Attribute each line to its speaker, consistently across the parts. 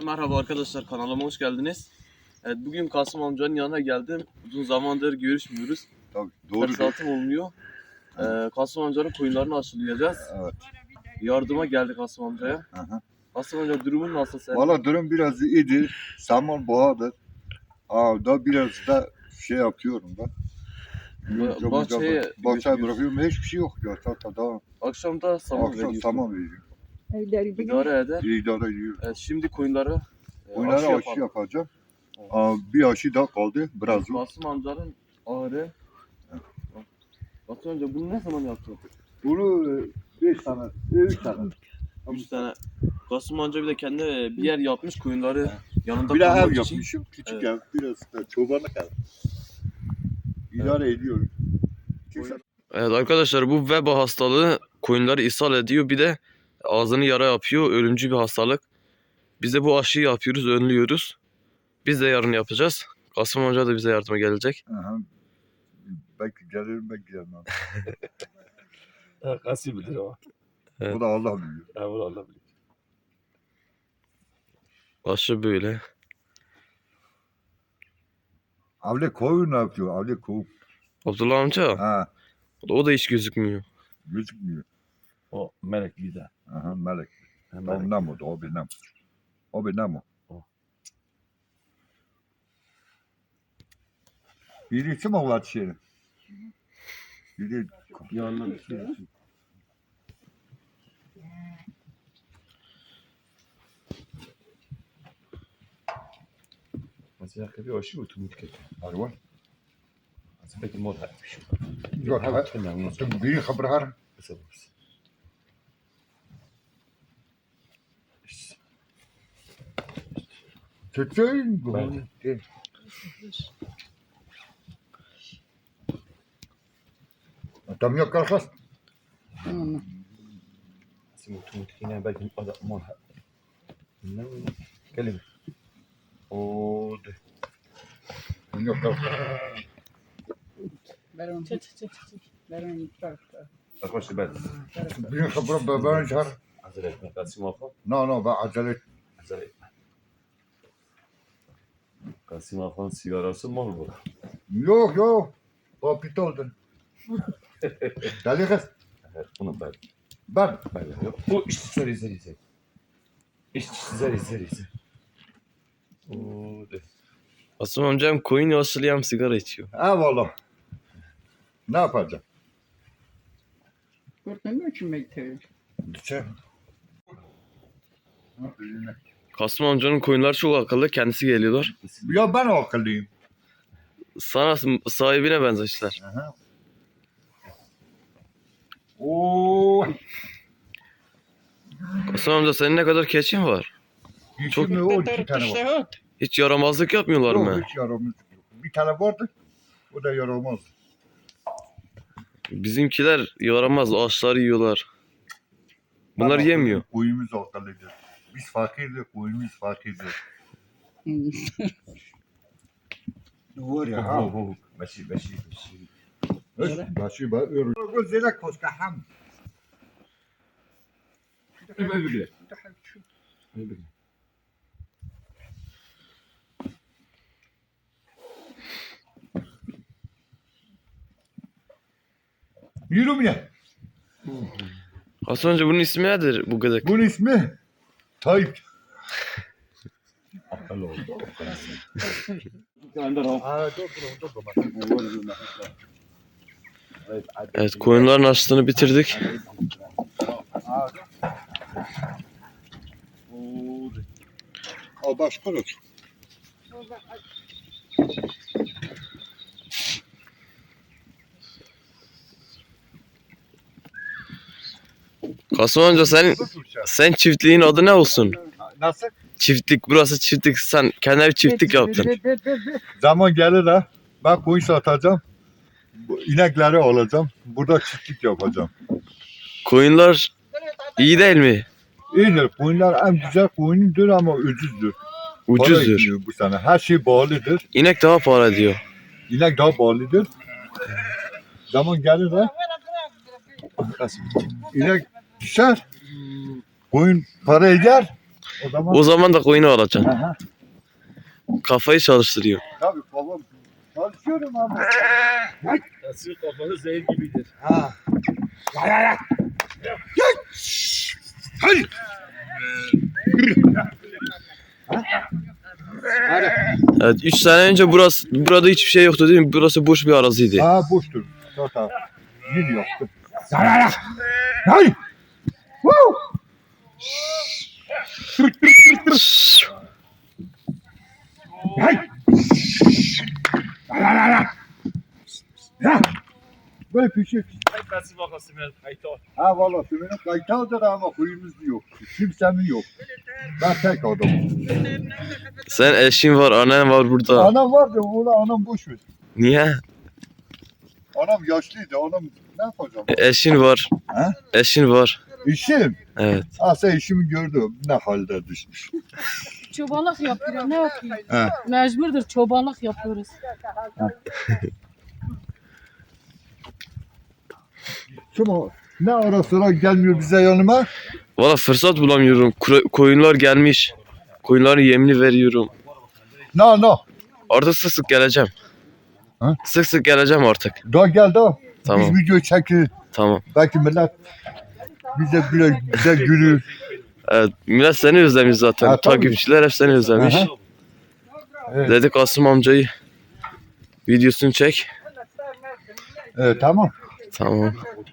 Speaker 1: Merhaba arkadaşlar, kanalıma hoş geldiniz. Evet, bugün Kasım amcanın yanına geldim. Uzun zamandır görüşmüyoruz.
Speaker 2: Tabii, doğru.
Speaker 1: Fırsatım olmuyor. Kasım amcanın koyunlarını aşılayacağız.
Speaker 2: Evet.
Speaker 1: Yardıma geldik Kasım amcaya.
Speaker 2: Aha.
Speaker 1: Kasım amca, durumun nasıl senin?
Speaker 2: Valla durum biraz iyidir. Saman boğadır. Da biraz da şey yapıyorum da.
Speaker 1: Bahçeye
Speaker 2: Bahçeye bırakıyorum. Hiçbir şey yok ya. Tamam.
Speaker 1: Akşamda saman
Speaker 2: Akşam
Speaker 1: veriyorsun.
Speaker 2: saman veriyorum.
Speaker 1: İdare eder.
Speaker 2: İdare ediyorum.
Speaker 1: Evet, şimdi koyunları
Speaker 2: Onlara aşı
Speaker 1: yapalım.
Speaker 2: yapacağım. Bir aşı daha kaldı. Biraz yok.
Speaker 1: Kasım amcanın ağrı. Kasım amca, bunu ne zaman yaptın?
Speaker 2: Bunu 5 tane, 3 tane.
Speaker 1: 3 tane. Kasım amca bir de kendi bir yer yapmış, koyunları yanında
Speaker 2: Bir de
Speaker 1: kalmak
Speaker 2: ev
Speaker 1: için.
Speaker 2: yapmışım. Küçük
Speaker 1: Evet.
Speaker 2: ev. Biraz da çobanlık ev. İdare ediyorum.
Speaker 1: Evet arkadaşlar, bu veba hastalığı koyunları ishal ediyor. Bir de ağzını yara yapıyor. Ölümcül bir hastalık. Biz de bu aşıyı yapıyoruz, önlüyoruz. Biz de yarın yapacağız. Kasım amca da bize yardıma gelecek.
Speaker 2: Aha. Belki gelirim, belki gelmem.
Speaker 3: Kasım bilir o.
Speaker 1: Evet.
Speaker 2: Bu da Allah biliyor.
Speaker 3: Evet Allah bilir.
Speaker 1: Aşı böyle.
Speaker 2: Avle koyun ne yapıyor? Avle koyun.
Speaker 1: Abdullah amca,
Speaker 2: Ha,
Speaker 1: o da hiç gözükmüyor.
Speaker 2: gözükmüyor.
Speaker 3: O melek bir de.
Speaker 2: Aha, melek.
Speaker 3: Melek.
Speaker 2: O nam o, o bir nam. O bir nam o.
Speaker 3: O.
Speaker 2: Birisi mi var şey? Biri
Speaker 3: Yanına bir şey. Mesela bir o şey oturmuş ki.
Speaker 2: var.
Speaker 3: Mesela belki mod etmiş.
Speaker 2: Yok, ha. Biri haber har. Tütün bu.
Speaker 3: Evet.
Speaker 2: Tam yok kalkas.
Speaker 3: Mesela oturmuş yine belki o da mod etmiş. Ne o? Kelime. O de.
Speaker 2: Tam yok kalkas.
Speaker 4: برام برام يتفرق
Speaker 3: Arkadaşlar ben.
Speaker 2: Biri haber babanı çağır.
Speaker 3: Acele etme. Kasım Afan.
Speaker 2: No, ben acele et.
Speaker 3: Acele etme. Kasım Afan sigarası mal bu.
Speaker 2: Yok. O pitoldun. Dali kız.
Speaker 3: Evet bunu ben.
Speaker 2: Ben.
Speaker 3: Ben yok. Bu işte zeri. İşte zeri. O de.
Speaker 1: Kasım amca hem koyun aşılıyor hem sigara içiyor.
Speaker 2: Eyvallah. Ne yapacağım?
Speaker 4: قلت شو ميتة
Speaker 2: Düşer.
Speaker 1: Kasım amcanın koyunları çok akıllı, kendisi geliyorlar.
Speaker 2: Ya ben akıllıyım.
Speaker 1: Sana sahibine benzeşler.
Speaker 2: Aha. Oo.
Speaker 1: Kasım amca, senin ne kadar keçin var?
Speaker 2: Çok mu o 2 tane var.
Speaker 1: Hiç yaramazlık yapmıyorlar mı?
Speaker 2: Yok hiç yaramaz yok. Bir tane vardı. O da yaramaz.
Speaker 1: Bizimkiler yaramaz, ağaçları yiyorlar. Bunlar yemiyor.
Speaker 2: Koyumuz akıllıdır. Biz fakirdir, koyumuz fakirdir. Var ya ha.
Speaker 3: Beşi.
Speaker 2: Başı ben öyle. Bu zelek koska ham. Yürü ya.
Speaker 1: Kasım amca, bunun ismi nedir bu gıdık?
Speaker 2: Bunun ismi Tayyip.
Speaker 3: Akıl oldu.
Speaker 1: Evet, koyunların aşısını bitirdik.
Speaker 2: O başka olur.
Speaker 1: Kasım amca, sen çiftliğin adı ne olsun?
Speaker 2: Nasıl?
Speaker 1: Çiftlik, burası çiftlik. Sen kendine bir çiftlik yaptın.
Speaker 2: Zaman gelir ha. Ben koyun satacağım. Bu inekleri alacağım. Burada çiftlik yapacağım.
Speaker 1: Koyunlar iyi değil mi?
Speaker 2: İyidir. Koyunlar en güzel koyundur ama ucuzdur. Para
Speaker 1: Ucuzdur.
Speaker 2: etmiyor bu sene. Her şey bağlıdır.
Speaker 1: İnek daha para ediyor.
Speaker 2: İnek daha bağlıdır. Zaman gelir ha. İnek düşer. Koyun para eder.
Speaker 1: O zaman da koyunu alacaksın.
Speaker 2: Aha.
Speaker 1: Kafayı çalıştırıyor.
Speaker 2: Tabii babam çalışıyorum ama.
Speaker 3: Nasıl kafanı zehir gibidir.
Speaker 2: Ha.
Speaker 1: Evet, 3 sene önce burada hiçbir şey yoktu değil mi? Burası boş bir araziydi.
Speaker 2: Ha boştur. Zaten yün yoktu. Hay! Woo! Hay! Ya! Böyle pişir.
Speaker 3: Nasıl bakasın ben kayıta.
Speaker 2: Ha valla sümünün kayıtadır ama huyumuz yok. Kimsemin yok. Ben tek adamım.
Speaker 1: Sen eşin var, annen var burada.
Speaker 2: Anam vardı, ona anam boş ver.
Speaker 1: Niye?
Speaker 2: Anam yaşlıydı, anam ne yapacağım?
Speaker 1: Eşin var.
Speaker 2: Ha?
Speaker 1: Eşin var.
Speaker 2: İşim.
Speaker 1: Evet.
Speaker 2: Asa işimi gördüm. Ne halde düşmüş.
Speaker 5: Çobanlık yapıyor. Ne yapıyor?
Speaker 2: He.
Speaker 5: Mecburdur. Çobanlık yapıyoruz.
Speaker 2: Şimdi ne ara sıra gelmiyor bize yanıma.
Speaker 1: Valla fırsat bulamıyorum. Koyunlar gelmiş. Koyunların yemini veriyorum.
Speaker 2: No.
Speaker 1: Artık sık sık geleceğim.
Speaker 2: Ha?
Speaker 1: Sık sık geleceğim artık.
Speaker 2: Daha gel daha.
Speaker 1: Tamam.
Speaker 2: Biz video çekir.
Speaker 1: Tamam.
Speaker 2: Belki millet bize bize gülür.
Speaker 1: Evet, millet seni özlemiş zaten.
Speaker 2: Ha, tabii.
Speaker 1: Takipçiler hep seni özlemiş.
Speaker 2: Aha. Evet.
Speaker 1: Dedi Kasım amcayı videosunu çek.
Speaker 2: Evet tamam.
Speaker 1: Tamam.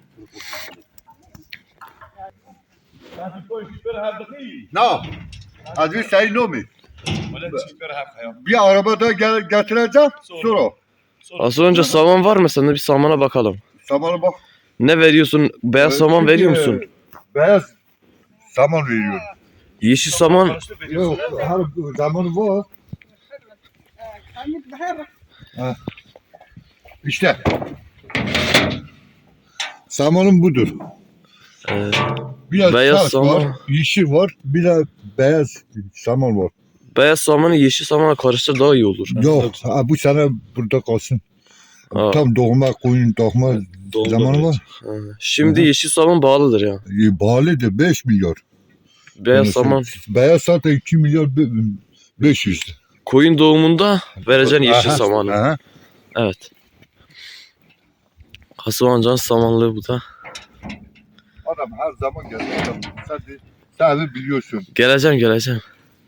Speaker 2: No. Aziz sayın Nomi. Bir arabada getireceğim. Sonra.
Speaker 1: Az önce saman var mı sende? Bir samana bakalım.
Speaker 2: Samana bak.
Speaker 1: Ne veriyorsun? Beyaz saman veriyor musun?
Speaker 2: Beyaz saman veriyorum.
Speaker 1: Yeşil saman.
Speaker 2: Yok, her zamanı var. Ha. İşte. Samanım budur.
Speaker 1: e,
Speaker 2: Biraz
Speaker 1: Beyaz
Speaker 2: beyaz
Speaker 1: saman.
Speaker 2: var, yeşil var, bir de beyaz saman var.
Speaker 1: beyaz samanı yeşil samana karıştır daha iyi olur.
Speaker 2: Yok, ha, bu sene burada kalsın.
Speaker 1: Ha,
Speaker 2: Tam doğma koyun doğma zamanı var.
Speaker 1: ha. Şimdi
Speaker 2: Hı hı.
Speaker 1: yeşil saman bağlıdır ya.
Speaker 2: Bağlıdır 5 milyar.
Speaker 1: Beyaz
Speaker 2: Onu
Speaker 1: saman.
Speaker 2: Beyaz zaten 2 milyar 500.
Speaker 1: Koyun doğumunda vereceksin yeşil
Speaker 2: Aha,
Speaker 1: samanı.
Speaker 2: aha.
Speaker 1: Evet. Kasım amcanın samanlığı bu da.
Speaker 2: Adam her zaman geliyor. Sen de biliyorsun.
Speaker 1: Geleceğim.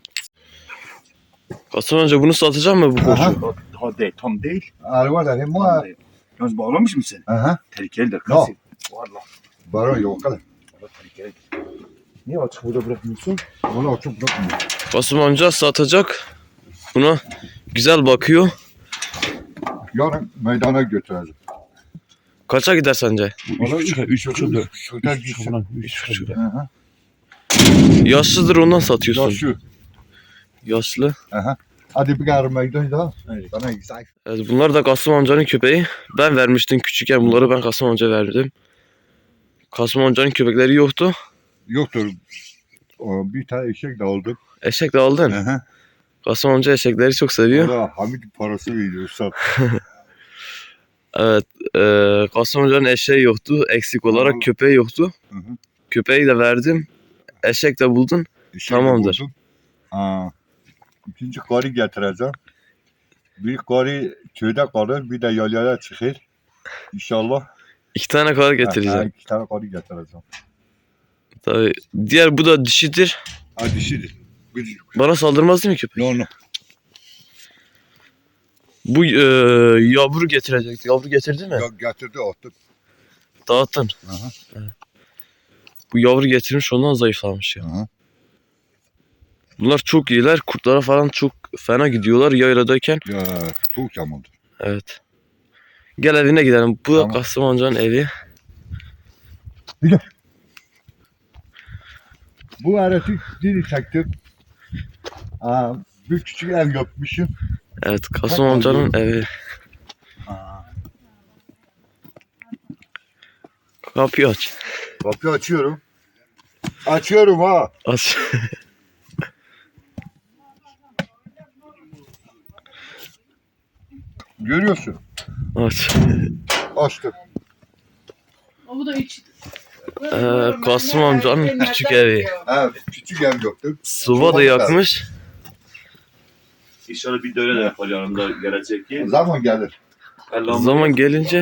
Speaker 1: Kasım amca bunu satacak mı bu
Speaker 2: Aha.
Speaker 1: koçu?
Speaker 3: Hadi tam değil.
Speaker 2: Araba da hem
Speaker 3: Tam
Speaker 2: var.
Speaker 3: değil. Yalnız bağlamış mısın?
Speaker 2: Aha.
Speaker 3: Tehlikelidir.
Speaker 2: No.
Speaker 3: Kesin. Valla.
Speaker 2: Bana yok kadar.
Speaker 3: Tehlikelidir. Niye açık burada bırakmıyorsun?
Speaker 2: Valla çok bırakmıyor.
Speaker 1: Kasım amca satacak. Buna güzel bakıyor.
Speaker 2: Yarın meydana götüreceğim.
Speaker 1: Kaça gider sence?
Speaker 3: 3,5
Speaker 2: Şurada gitsin.
Speaker 3: 3,5.
Speaker 2: Aha.
Speaker 1: Yaşlıdır ondan satıyorsun.
Speaker 2: Yaşı.
Speaker 1: Yaşlı.
Speaker 2: Aha. Hadi bir yarın meydan daha.
Speaker 3: Evet.
Speaker 2: Bana güzel.
Speaker 1: Evet, bunlar da Kasım amcanın köpeği. Ben vermiştim küçükken bunları ben Kasım amca verdim. Kasım amcanın köpekleri yoktu.
Speaker 2: Yoktur. Bir tane eşek de aldım.
Speaker 1: Eşek de aldın.
Speaker 2: Aha.
Speaker 1: Kasım amca eşekleri çok seviyor.
Speaker 2: Ona Hamit parası veriyor. Sat.
Speaker 1: Evet. Kasım amcanın eşeği yoktu. Eksik olarak
Speaker 2: Tamam.
Speaker 1: köpeği yoktu.
Speaker 2: Hı hı.
Speaker 1: Köpeği de verdim. Eşek de buldun.
Speaker 2: Eşek de
Speaker 1: Tamamdır.
Speaker 2: buldum. Aa, İkinci karı getireceğim. Bir karı köyde kalır, bir de yalyaya çıkar. İnşallah.
Speaker 1: 2 tane kadar getireceğim.
Speaker 2: 2 tane karı getireceğim.
Speaker 1: Tabii. Diğer bu da dişidir.
Speaker 2: Ha dişidir. Gıcık.
Speaker 1: Bana saldırmaz değil mi köpek?
Speaker 2: No.
Speaker 1: Bu yavru getirecekti. Yavru getirdi mi?
Speaker 2: Ya getirdi attım.
Speaker 1: Dağıttın.
Speaker 2: Aha.
Speaker 1: Bu yavru getirmiş ondan zayıflamış ya.
Speaker 2: Aha.
Speaker 1: Bunlar çok iyiler. Kurtlara falan çok fena gidiyorlar yayladayken.
Speaker 2: Ya çok yamandır.
Speaker 1: Evet. Gel evine gidelim. Bu da
Speaker 2: Tamam.
Speaker 1: Kasım amcanın evi.
Speaker 2: Bu arası dili çektim. Aa, bir küçük ev yapmışım.
Speaker 1: Evet Kasım amcanın evi. Kapıyı aç.
Speaker 2: Kapıyı açıyorum. Açıyorum ha.
Speaker 1: Aç.
Speaker 2: Görüyorsun.
Speaker 1: Aç.
Speaker 2: Açtım.
Speaker 5: O bu da iç.
Speaker 1: Kasım amcanın küçük evi.
Speaker 2: Ha, küçük ev yoktu.
Speaker 1: Soba da yakmış.
Speaker 3: İnşallah bir de öyle de yapar yanında gelecek ki.
Speaker 2: Zaman gelir.
Speaker 1: Zaman gelince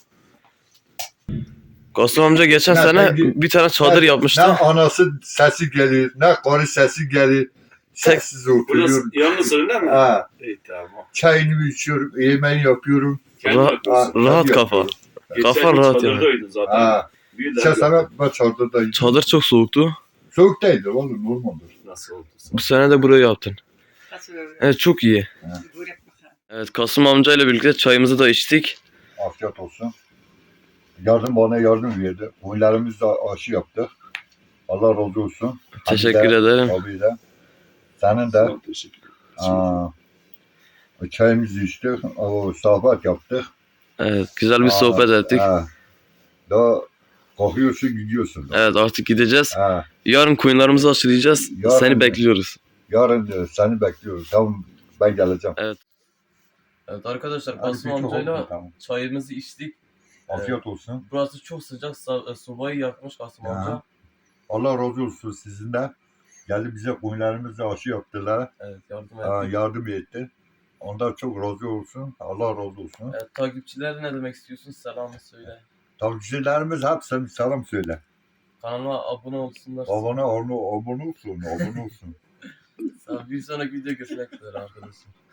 Speaker 1: Kasım amca geçen
Speaker 2: Ya
Speaker 1: sene
Speaker 2: ben-
Speaker 1: bir tane çadır
Speaker 2: Ne
Speaker 1: yapmıştı.
Speaker 2: anası sesi gelir, ne karı sesi gelir. Sessiz oturuyorum.
Speaker 3: Yalnızsın değil mi?
Speaker 2: Ha,
Speaker 3: İyi tamam.
Speaker 2: çayını içiyorum, yemeğini yapıyorum.
Speaker 1: Ra- rahat kafa. Kafa rahat yani.
Speaker 3: zaten.
Speaker 2: Ha, sen sana ben çadırdayım.
Speaker 1: Çadır çok soğuktu.
Speaker 2: Soğuk değildir oğlum, normaldir.
Speaker 3: Nasıl oldu?
Speaker 1: Bu sene de burayı yaptın.
Speaker 4: Nasıl öyle?
Speaker 1: Evet çok iyi.
Speaker 4: Börek bakalım.
Speaker 1: Evet Kasım amca ile birlikte çayımızı da içtik.
Speaker 2: Afiyet olsun. Bana yardım verdi. Oyunlarımız da aşı yaptık. Allah razı olsun.
Speaker 1: Teşekkür ederim.
Speaker 2: Abi de. Senin de.
Speaker 3: Teşekkür ederim.
Speaker 2: Aa, çayımızı içtik. O sohbet yaptık.
Speaker 1: Evet güzel bir sohbet ettik.
Speaker 2: Ha. Daha kalkıyorsun gidiyorsun. Da.
Speaker 1: Evet artık gideceğiz.
Speaker 2: Ha.
Speaker 1: Yarın koyunlarımızı aşılayacağız.
Speaker 2: Yarın
Speaker 1: Seni
Speaker 2: mı?
Speaker 1: bekliyoruz.
Speaker 2: Yarın seni bekliyoruz. Tamam, ben geleceğim.
Speaker 1: Evet arkadaşlar
Speaker 2: Hadi
Speaker 1: Kasım
Speaker 2: bir çok
Speaker 1: amcayla
Speaker 2: oldu, tamam.
Speaker 1: çayımızı içtik.
Speaker 2: Afiyet olsun.
Speaker 1: Burası çok sıcak. Sobayı yakmış Kasım
Speaker 2: Ya.
Speaker 1: amca.
Speaker 2: Allah razı olsun sizin de. Geldi bize koyunlarımızı aşı yaptılar.
Speaker 1: Evet yardım
Speaker 2: Ha,
Speaker 1: ettik.
Speaker 2: yardım etti. Ondan çok razı olsun. Allah razı olsun.
Speaker 1: Evet, takipçilere ne demek istiyorsun? Selamı söyle.
Speaker 2: Takipçilerimiz hepsine selam söyle.
Speaker 1: Kanala abone olsunlar.
Speaker 2: Abone olsun.
Speaker 1: Bir sonraki video görüşmek üzere arkadaşlar.